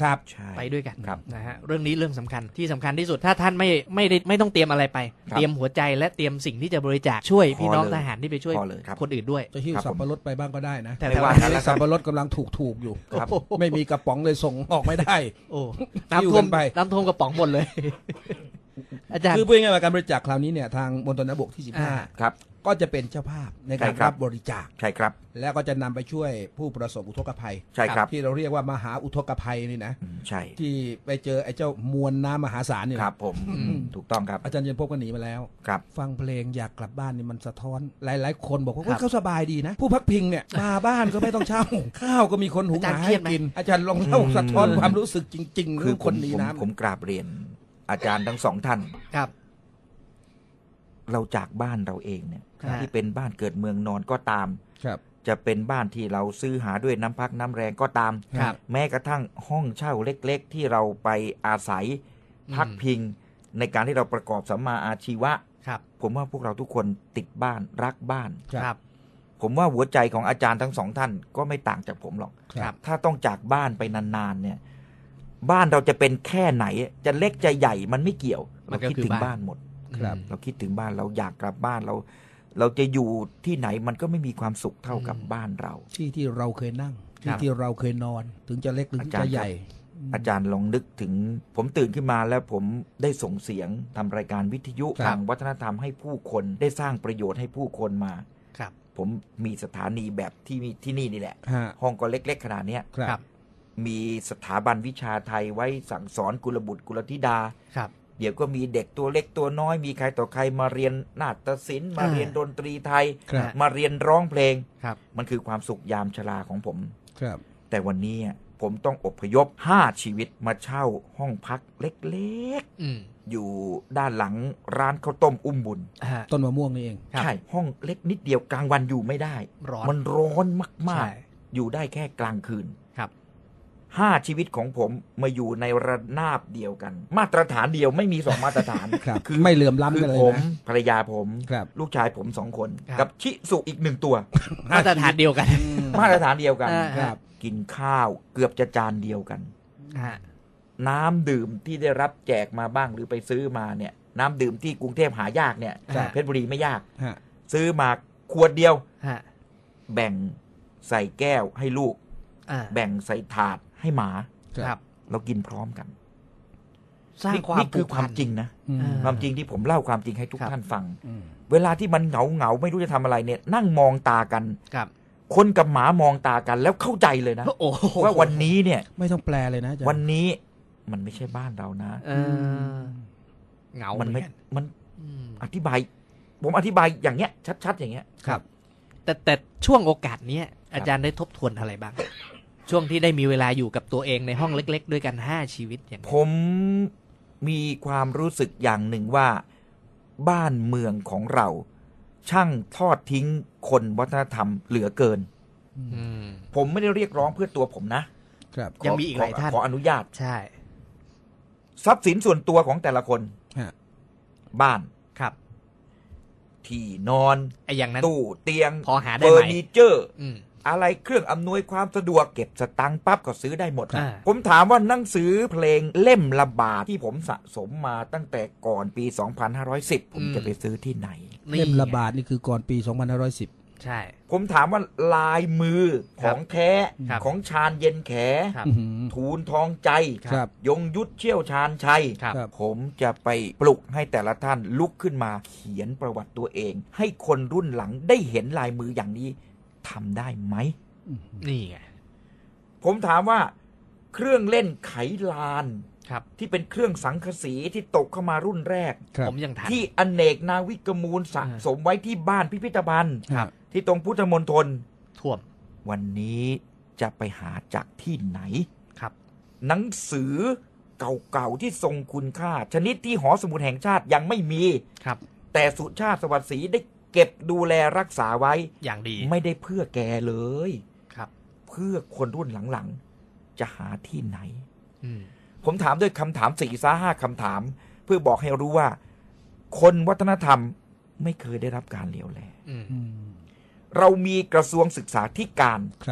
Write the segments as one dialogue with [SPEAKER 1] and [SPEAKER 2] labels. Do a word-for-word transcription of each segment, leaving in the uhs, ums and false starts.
[SPEAKER 1] ครับ
[SPEAKER 2] ไปด้วยกันนะฮะเรื่องนี้เรื่องสำคัญที่สำคัญที่สุดถ้าท่านไม่ไม่ได้ไม่ต้องเตรียมอะไรไปเตรียมหัวใจและเตรียมสิ่งที่จะบริจาคช่วยพี่น้องทหารที่ไปช่วยคนอื่นด้วย
[SPEAKER 1] จะหิ้วสับปะรดไปบ้างก็ได้นะ
[SPEAKER 2] แต่
[SPEAKER 1] ว่าสับปะรดกำลังถูกถูกอยู่ไม่มีกระป๋องเลยส่งออกไม่ได้
[SPEAKER 2] โอ้น้ำท่วมไปน้ำท่วมกระป๋องหมดเลยอาจารย์
[SPEAKER 1] คือพูดง่ายๆว่าการบริจาคคราวนี้เนี่ยทางมณฑลทหารบกที่สิบห้า
[SPEAKER 3] ครับ
[SPEAKER 1] ก็จะเป็นเจ้าภาพในการรับบริจาค
[SPEAKER 3] ใช่ครับ
[SPEAKER 1] แล้วก็จะนำไปช่วยผู้ประสบอุทกภัย
[SPEAKER 3] ใช่ครับ
[SPEAKER 1] ที่เราเรียกว่ามหาอุทกภัยนี่นะ
[SPEAKER 3] ใช่
[SPEAKER 1] ที่ไปเจอไอ้เจ้ามวลน้ำมหาศาลนี่
[SPEAKER 3] ครับผมถูกต้องครับ
[SPEAKER 1] อาจารย์เย็นพบก็หนีมาแล้ว
[SPEAKER 3] ครับ
[SPEAKER 1] ฟังเพลงอยากกลับบ้านนี่มันสะท้อนหลายๆคนบอกว่าเขาสบายดีนะผู้พักพิงเนี่ยมาบ้านก็ไม่ต้องเช่าข้าวก็มีคนหุงหาให้กินอาจารย์ลองเล่าสะท้อนความรู้สึกจริงๆคือคนหนีน้ำ
[SPEAKER 3] ผมกราบเรียนอาจารย์ทั้งสองท่าน
[SPEAKER 2] ครับ
[SPEAKER 3] เราจากบ้านเราเองเนี่ยที่เป็นบ้านเกิดเมืองนอนก็ตามจะเป็นบ้านที่เราซื้อหาด้วยน้ำพักน้ำแรงก็ตามแม้กระทั่งห้องเช่าเล็กๆที่เราไปอาศัยพักพิงในการที่เราประกอบสัมมาอาชีวะผมว่าพวกเราทุกคนติดบ้านรักบ้านผมว่าหัวใจของอาจารย์ทั้งสองท่านก็ไม่ต่างจากผมหรอกถ้าต้องจากบ้านไปนานๆเนี่ยบ้านเราจะเป็นแค่ไหนจะเล็กจะใหญ่มันไม่เกี่ยวเราคิดถึงบ้านหมดเราคิดถึงบ้านเราอยากกลับบ้านเราเราจะอยู่ที่ไหนมันก็ไม่มีความสุขเท่ากับบ้านเรา
[SPEAKER 1] ที่ที่เราเคยนั่งที่ที่เราเคยนอนถึงจะเล็กหรือจะใหญ่
[SPEAKER 3] อาจารย์ลองนึกถึงผมตื่นขึ้นมาแล้วผมได้ส่งเสียงทำรายการวิทยุทางวัฒนธรรมให้ผู้คนได้สร้างประโยชน์ให้ผู้คนมาผมมีสถานีแบบที่ที่นี่นี่แหละห้องก็เล็กๆขนาดนี้มีสถาบันวิชาไทยไว้สั่งสอนกุลบุตรกุลธิดาเดี๋ยวก็มีเด็กตัวเล็กตัวน้อยมีใครต่อใครมาเรียนนาฏศิลป์มาเรียนดนตรีไทยมาเรียนร้องเพลงมันคือความสุขยามชราของผมแต่วันนี้ผมต้องอพยพห้าชีวิตมาเช่าห้องพักเล็กๆอยู่ด้านหลังร้านข้าวต้มอุ้มบุญ
[SPEAKER 1] ต้นมะม่วงนี่เอง
[SPEAKER 3] ใช่ห้องเล็กนิดเดียวกลางวันอยู่ไม่ได้มันร้อนมากๆอยู่ได้แค่กลางคืนห้าชีวิตของผมมาอยู่ในระนาบเดียวกันมาตรฐานเดียวไม่มีสองมาตรฐาน
[SPEAKER 1] คือไม่เหลื่อมล้ำกันเลยนะ
[SPEAKER 3] ผมภรรยาผมลูกชายผมสองคนกับชิสุอีกหนึ่งตัว
[SPEAKER 2] มาตรฐานเดียวกัน
[SPEAKER 3] มาตรฐานเดียวกันกินข้าวเกือบจะจานเดียวกันน้ำดื่มที่ได้รับแจกมาบ้างหรือไปซื้อมาเนี่ยน้ำดื่มที่กรุงเทพหายากเนี่ยเพชรบุรีไม่ยากซื้อมาขวดเดียวแบ่งใส่แก้วให้ลูกแบ่งใส่ถาดให้หมาเรากินพร้อมกัน
[SPEAKER 2] สร้างความ
[SPEAKER 3] นี่คือความจริงนะความจริงที่ผมเล่าความจริงให้ทุกท่านฟังเวลาที่มันเหงาเหงาไม่รู้จะทำอะไรเนี่ยนั่งมองตากันคนกับหมามองตากันแล้วเข้าใจเลยนะว่าวันนี้เนี่ย
[SPEAKER 1] ไม่ต้องแปลเลยนะ
[SPEAKER 3] วันนี้มันไม่ใช่บ้านเรานะ
[SPEAKER 2] เหงา
[SPEAKER 3] มันไม่มันอธิบายผมอธิบายอย่างเงี้ยชัดๆอย่างเงี้ย
[SPEAKER 2] ครับแต่แต่ช่วงโอกาสนี้อาจารย์ได้ทบทวนอะไรบ้างช่วงที่ได้มีเวลาอยู่กับตัวเองในห้องเล็กๆด้วยกันห้าชีวิตอย่าง
[SPEAKER 3] ผมมีความรู้สึกอย่างหนึ่งว่าบ้านเมืองของเราช่างทอดทิ้งคนวัฒนธรรมเหลือเกินผมไม่ได้เรียกร้องเพื่อตัวผมนะครับ
[SPEAKER 2] ยังมีอีกหลายท่าน
[SPEAKER 3] ขออนุญาต
[SPEAKER 2] ใช่
[SPEAKER 3] ทรัพย์สินส่วนตัวของแต่ละคนบ้าน
[SPEAKER 2] ครับ
[SPEAKER 3] ที่นอน
[SPEAKER 2] ไอ้อย่างนั้น
[SPEAKER 3] ตู้เตียง
[SPEAKER 2] พอหาได้
[SPEAKER 3] ไหมเฟอร์นิเจอร์อะไรเครื่องอำนวยความสะดวกเก็บสตังค์ปั๊บก็ซื้อได้หมดผมถามว่าหนังสือเพลงเล่มละบาทที่ผมสะสมมาตั้งแต่ก่อนปีสองพันห้าร้อยสิบผมจะไปซื้อที่ไหน
[SPEAKER 1] เล่มละบาทนี่คือก่อนปีสองพันห้าร้อยสิบ
[SPEAKER 2] ใช่
[SPEAKER 3] ผมถามว่าลายมือของแท้ของชาญเย็นแขทูลทองใจยงยุทธเชี่ยวชาญชัยผมจะไปปลุกให้แต่ละท่านลุกขึ้นมาเขียนประวัติตัวเองให้คนรุ่นหลังได้เห็นลายมืออย่างนี้ทำได้ไหม
[SPEAKER 2] นี่ไง
[SPEAKER 3] ผมถามว่าเครื่องเล่นไขลานที่เป็นเครื่องสังกะสีที่ตกเข้ามารุ่นแรก
[SPEAKER 2] ผมยังทัน
[SPEAKER 3] ที่อเนกนาวิกมูลสะสมไว้ที่บ้านพิพิธภัณฑ์ที่ตรงพุทธมณฑล
[SPEAKER 2] ท่วม
[SPEAKER 3] วันนี้จะไปหาจากที่ไหน
[SPEAKER 2] ครับ
[SPEAKER 3] หนังสือเก่าๆที่ทรงคุณค่าชนิดที่หอสมุดแห่งชาติยังไม่มี
[SPEAKER 2] ครับ
[SPEAKER 3] แต่สุชาติสวัสดิ์ศรีได้เก็บดูแลรักษาไว้
[SPEAKER 2] อย่างดี
[SPEAKER 3] ไม่ได้เพื่อแกเลย
[SPEAKER 2] ครับ
[SPEAKER 3] เพื่อคนรุ่นหลังๆจะหาที่ไหนผมถามด้วยคำถามสี่ซ้าห้าคำถามเพื่อบอกให้รู้ว่าคนวัฒนธรรมไม่เคยได้รับการเหลียวแลเรามีกระทรวงศึกษาธิการ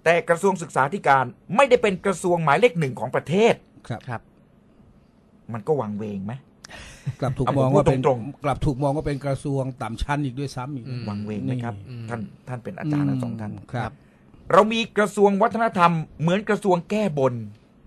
[SPEAKER 3] แต่กระทรวงศึกษาธิการไม่ได้เป็นกระทรวงหมายเลขหนึ่งของประเทศ
[SPEAKER 1] ครับ
[SPEAKER 2] ครับ
[SPEAKER 3] มันก็วังเวงไหม
[SPEAKER 1] กลับถูก
[SPEAKER 3] เอา
[SPEAKER 1] มอง
[SPEAKER 3] ผมพูด
[SPEAKER 1] ว่าเป็น
[SPEAKER 3] ตรง
[SPEAKER 1] กลับถูกมองว่าเป็นกระทรวงต่ำชั้นอีกด้วยซ้ำอีก
[SPEAKER 2] อืม
[SPEAKER 3] วังเวงไหมครับ
[SPEAKER 2] อืม
[SPEAKER 3] ท่านท่านเป็นอาจารย์ทั้งสองท่าน
[SPEAKER 1] ครับ
[SPEAKER 3] เรามีกระทรวงวัฒนธรรมเหมือนกระทรวงแก้บน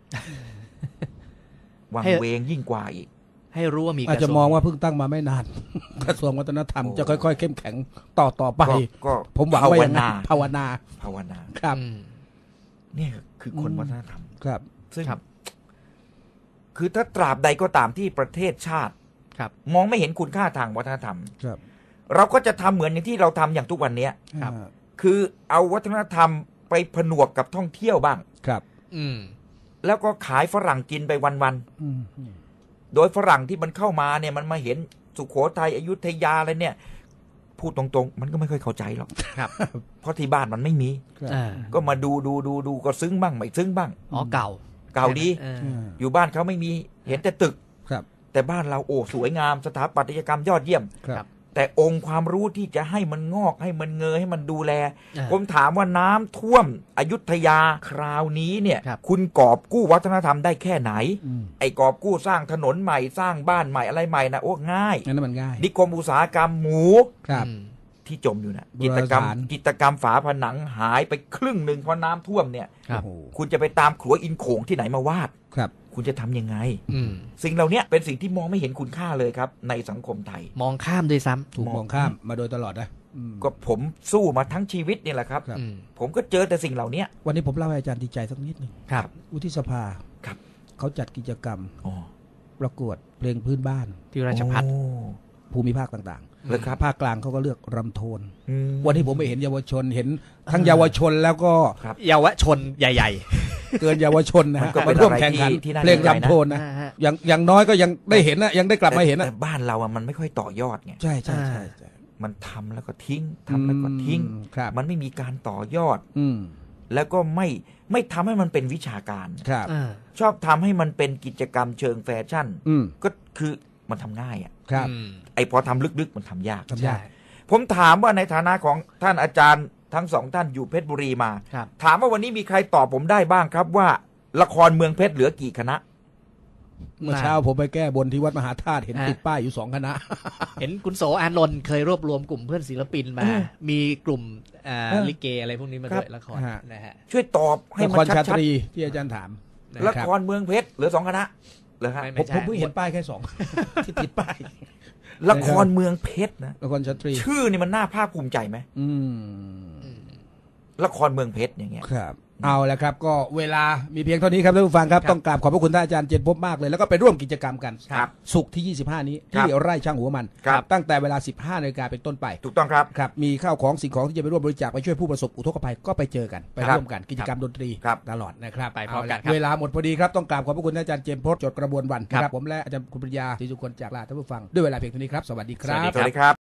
[SPEAKER 3] วังเวงยิ่งกว่าอีก
[SPEAKER 2] ให้รู้ว่ามี
[SPEAKER 1] อาจจะมองว่าเพิ่งตั้งมาไม่นาน กระทรวงวัฒนธรรมจะค่อยๆเข้มแข็งต่อต่อไป
[SPEAKER 3] ก็ก็
[SPEAKER 1] ผมหวังว่าอย่างนั้นภาวนา
[SPEAKER 3] ภาวนา
[SPEAKER 1] ครับ
[SPEAKER 2] อืม
[SPEAKER 3] เนี่ยคือคนวัฒนธรรม
[SPEAKER 1] ครับ
[SPEAKER 3] ซึ่ง
[SPEAKER 2] ครับ
[SPEAKER 3] คือถ้าตราบใดก็ตามที่ประเทศชาติ
[SPEAKER 2] ครับ
[SPEAKER 3] มองไม่เห็นคุณค่าทางวัฒนธรรม
[SPEAKER 1] ครับ
[SPEAKER 3] เราก็จะทำเหมือนอย่างที่เราทำอย่างทุกวันเนี้ย
[SPEAKER 2] ครับ
[SPEAKER 1] อ่า
[SPEAKER 3] คือเอาวัฒนธรรมไปผนวกกับท่องเที่ยวบ้าง
[SPEAKER 1] ครับ
[SPEAKER 2] อืม
[SPEAKER 3] แล้วก็ขายฝรั่งกินไปวัน
[SPEAKER 1] อืม
[SPEAKER 3] ๆโดยฝรั่งที่มันเข้ามาเนี่ยมันมาเห็นสุโขทัยอยุธยาอะไรเนี่ย พูดตรงๆ มันก็ไม่ค่อยเข้าใจหรอก
[SPEAKER 2] ครับ
[SPEAKER 3] เพราะที่บ้านมันไม่มี
[SPEAKER 1] ครับ
[SPEAKER 2] อ่า
[SPEAKER 3] ก็มาดูดูดูดูก็ซึ้งบ้างไม่ซึ้งบ้าง
[SPEAKER 2] อ๋อเก่า
[SPEAKER 3] เก่าดี
[SPEAKER 2] เออ
[SPEAKER 1] อ่า
[SPEAKER 3] อยู่บ้านเขาไม่มีเห็นแต่ตึก
[SPEAKER 1] ครับ
[SPEAKER 3] แต่บ้านเราโอ้สวยงามสถาปัตยกรรมยอดเยี่ยม
[SPEAKER 1] ครับ
[SPEAKER 3] แต่องค์ความรู้ที่จะให้มันงอกให้มันเงยให้มันดูแล
[SPEAKER 2] อ่า
[SPEAKER 3] ผมถามว่าน้ำท่วมอยุธยาคราวนี้เนี่ย
[SPEAKER 2] ครับ
[SPEAKER 3] คุณกอบกู้วัฒนธรรมได้แค่ไหน
[SPEAKER 1] อืม
[SPEAKER 3] ไอ้กอบกู้สร้างถนนใหม่สร้างบ้านใหม่อะไรใหม่นะโอ้ง่าย
[SPEAKER 1] งั้นนมันง่าย
[SPEAKER 3] นิคมอุตสาหกรรมหมู
[SPEAKER 1] ครับ
[SPEAKER 2] อืม
[SPEAKER 3] ที่จมอยู่นะ
[SPEAKER 1] โบ
[SPEAKER 3] กิ
[SPEAKER 1] ราณ
[SPEAKER 3] จกรรม
[SPEAKER 1] สถาน
[SPEAKER 3] กิจกรรมฝาผนังหายไปครึ่งหนึ่งเพราะน้ำท่วมเนี่ย
[SPEAKER 2] ครับ
[SPEAKER 1] โอ้โห
[SPEAKER 3] คุณจะไปตามขัวอินโขงที่ไหนมาวาด
[SPEAKER 1] ครับ
[SPEAKER 3] คุณจะทำยังไง
[SPEAKER 2] อืม
[SPEAKER 3] สิ่งเหล่านี้เป็นสิ่งที่มองไม่เห็นคุณค่าเลยครับ ในสังคมไทย
[SPEAKER 2] มองข้ามด้วยซ้ำ
[SPEAKER 1] ถูกมองข้ามมาโดยตลอดนะอืม
[SPEAKER 3] ก็ผมสู้มาทั้งชีวิตนี่แหละครับ
[SPEAKER 1] ครับ
[SPEAKER 2] อืม
[SPEAKER 3] ผมก็เจอแต่สิ่งเหล่านี้
[SPEAKER 1] วันนี้ผมเล่าให้อาจารย์ดีใจสักนิดหนึง
[SPEAKER 2] ครับ
[SPEAKER 1] วุฒิสภา
[SPEAKER 3] ครับ
[SPEAKER 1] เขาจัดกิจกรรม
[SPEAKER 3] อ๋อ
[SPEAKER 1] ประกวดเพลงพื้นบ้าน
[SPEAKER 2] ที่ราชพัฒน์
[SPEAKER 3] โอ้
[SPEAKER 1] ภูมิภาคต่าง
[SPEAKER 3] เลยครับ
[SPEAKER 1] ๆ ภาคกลางเขาก็เลือกรำโทน
[SPEAKER 3] อืม
[SPEAKER 1] วันที่ผมไปเห็นเยาวชนเห็นทั้งเยาวชนแล้วก็
[SPEAKER 2] เยาวชนใหญ่
[SPEAKER 1] เกินเยาวชนนะ
[SPEAKER 3] มัน
[SPEAKER 1] ฮะ
[SPEAKER 3] ก็เป็น
[SPEAKER 1] มาร่วม
[SPEAKER 3] อะไร
[SPEAKER 1] แข่งขัน
[SPEAKER 3] ที่ที่น่า
[SPEAKER 1] เพลง
[SPEAKER 3] ดีใจนะ
[SPEAKER 1] รำโทน
[SPEAKER 2] ๆ
[SPEAKER 1] นะ
[SPEAKER 2] อ่าฮะ
[SPEAKER 1] อย่างอย่างน้อยก็ยังได้เห็นนะยังได้กลับมาเห็นนะ
[SPEAKER 3] แต่บ้านเราอะมันไม่ค่อยต่อยอดไง
[SPEAKER 1] ใช่ใช่ใช่ใช่
[SPEAKER 3] มันทำแล้วก็ทิ้งทำแล้วก็ทิ้ง
[SPEAKER 1] อืมครับ
[SPEAKER 3] มันไม่มีการต่อยอด
[SPEAKER 1] อืม
[SPEAKER 3] แล้วก็ไม่ไม่ทำให้มันเป็นวิชาการ
[SPEAKER 1] ครับ
[SPEAKER 2] อ่า
[SPEAKER 3] ชอบทำให้มันเป็นกิจกรรมเชิงแฟชั่น
[SPEAKER 1] อืม
[SPEAKER 3] ก็คือมันทำง่ายอ่ะ
[SPEAKER 1] ครับ
[SPEAKER 2] อืม
[SPEAKER 3] ไอ้พอทำลึกๆมันทำยาก
[SPEAKER 1] ทำยาก
[SPEAKER 3] ผมถามว่าในฐานะของท่านอาจารย์ทั้งสองท่านอยู่เพชรบุรีมา
[SPEAKER 2] ครับ
[SPEAKER 3] ถามว่าวันนี้มีใครตอบผมได้บ้างครับว่า ละครเมืองเพชรเหลือกี่คณะ
[SPEAKER 1] เมื่อเช้าผมไปแก้บนที่วัดมหาธาตุเห็น
[SPEAKER 2] ฮะ
[SPEAKER 1] ติดป้ายอยู่สองคณะ
[SPEAKER 2] เห็นคุณโสอานนท์เคยรวบรวมกลุ่มเพื่อนศิลปินมา
[SPEAKER 1] เออ
[SPEAKER 2] มีกลุ่มอ่า
[SPEAKER 1] เออ
[SPEAKER 2] ลิเกอะไรพวกนี้มา
[SPEAKER 3] ครั
[SPEAKER 2] ด้
[SPEAKER 3] บ
[SPEAKER 2] วยละคร
[SPEAKER 1] ฮะ
[SPEAKER 2] นะฮะ
[SPEAKER 3] ช่วยตอบให้
[SPEAKER 1] ละ
[SPEAKER 3] มั
[SPEAKER 1] คน ร
[SPEAKER 3] ชั
[SPEAKER 1] ชา
[SPEAKER 3] ด
[SPEAKER 1] ตรีที่อาจารย์ถาม
[SPEAKER 2] นะ
[SPEAKER 3] ๆละครเมืองเพชรเหลือสองคณะเหรอฮะ
[SPEAKER 2] ไม่
[SPEAKER 1] ผมผมเพิ่งเห็นป้ายแค่สอง ที่ติดป้าย
[SPEAKER 3] ละครเมืองเพชรนะ
[SPEAKER 1] ละครชาตรี
[SPEAKER 3] ชื่อนี่มันน่าภาคภูมิใจไหม
[SPEAKER 1] อืม
[SPEAKER 2] อืม
[SPEAKER 3] ละครเมืองเพชรอย่างเงี้ย
[SPEAKER 1] ครับ เอาละครับ ก็เวลามีเพียงเท่านี้ครับท่านผู้ฟังครับ
[SPEAKER 2] ครับ
[SPEAKER 1] ต้องกราบขอบพระคุณท่านอาจารย์เจนพบมากเลย แล้วก็ไปร่วมกิจกรรมกัน
[SPEAKER 3] ครับ
[SPEAKER 1] ศุกร์ที่ ยี่สิบห้า นี้
[SPEAKER 3] ครั
[SPEAKER 1] ที่
[SPEAKER 3] บ
[SPEAKER 1] ไร่ช่างหัวมัน
[SPEAKER 3] ครับ
[SPEAKER 1] ตั้งแต่เวลา สิบห้านาฬิกาเป็นต้นไป
[SPEAKER 3] ถูกต้องครับ
[SPEAKER 1] ครับ มีข้าวของสิ่งของที่จะไปร่วมบริจาคไปช่วยผู้ประสบอุทกภัยก็ไปเจอกัน ไป
[SPEAKER 3] ครับ
[SPEAKER 1] ร่วมกันกิจกรรมดนตรี
[SPEAKER 3] ครับ
[SPEAKER 1] ตลอดนะครับ
[SPEAKER 2] ไปพร้อมกัน
[SPEAKER 1] เาละ
[SPEAKER 2] ครับ
[SPEAKER 1] เวลาหมดพอดีครับต้องกราบขอบพระคุณท่านอาจารย์เจมส์พจน์จดกระบวนวัน
[SPEAKER 2] ครับ
[SPEAKER 1] นะครับผมและอาจารย์คุณปริยาศรีสุคนจากลาท่านผู้ฟังด้วยเวลาเพียงเท่านี้ครับสวัสดีครับ
[SPEAKER 3] สวัสดีครับ